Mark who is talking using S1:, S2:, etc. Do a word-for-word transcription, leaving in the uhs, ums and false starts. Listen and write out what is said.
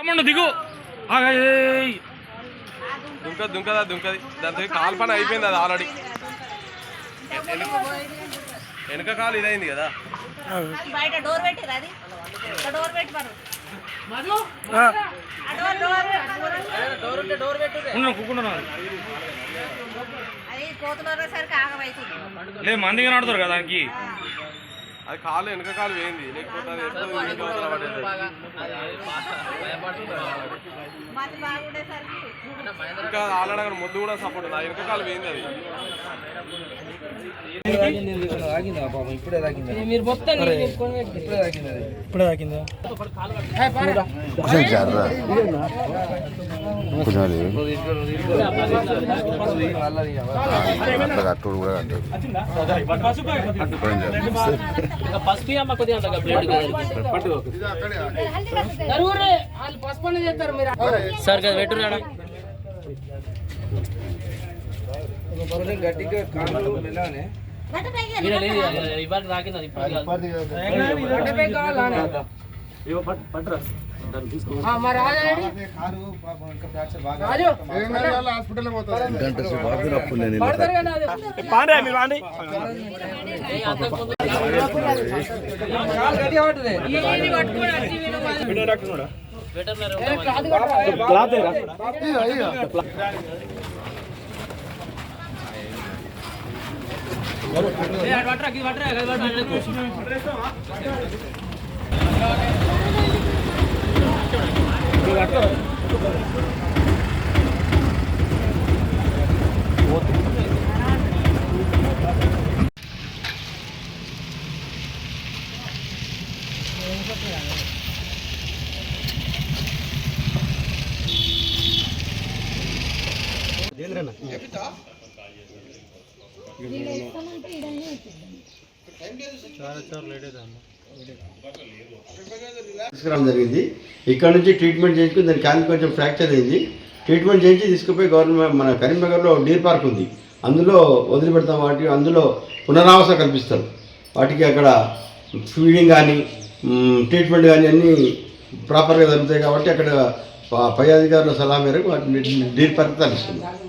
S1: పాపండు దిగు
S2: దుంక దుంకదా దుంకది దాంతో కాలు పని అయిపోయింది అది ఆల్రెడీ వెనక కాలు ఇదైంది కదా
S3: బయట డోర్ పెట్టిరా అది డోర్ పెట్టి
S1: లేదు మందిగా నడుతారు కదా దానికి
S2: అది కాలు వెనక కాలు వేయింది లేకపోతే ఇంకా ఆల్రెడీ అక్కడ ముద్దు కూడా సపోర్ట్ ఉంది వెనక కాలు వేయింది అది
S4: ఇప్పుడే తాకిందా ఇప్పుడే తాకిందా
S5: పసుపు అమ్మ కొద్దిగా పసుపు చేస్తారు మీరు సార్ కదా పెట్టు
S4: గట్టిగా కాళ్ళు వెళ్ళానే
S5: ఇవాళ తాకింది
S6: తీసుకురావడం జరిగింది. ఇక్కడ నుంచి ట్రీట్మెంట్ చేయించుకుని దాని క్యాన్ కొంచెం ఫ్రాక్చర్ అయింది. ట్రీట్మెంట్ చేయించి తీసుకుపోయి గవర్నమెంట్ మన కరీంనగర్లో డీర్ పార్క్ ఉంది, అందులో వదిలిపెడతాం. వాటి అందులో పునరావాస కల్పిస్తారు. వాటికి అక్కడ ఫీడింగ్ కానీ ట్రీట్మెంట్ కానీ అన్నీ ప్రాపర్గా జరుగుతాయి కాబట్టి అక్కడ పై అధికారుల సలహా మేరకు వాటిని డీర్ పార్క్ తరలిస్తుంది.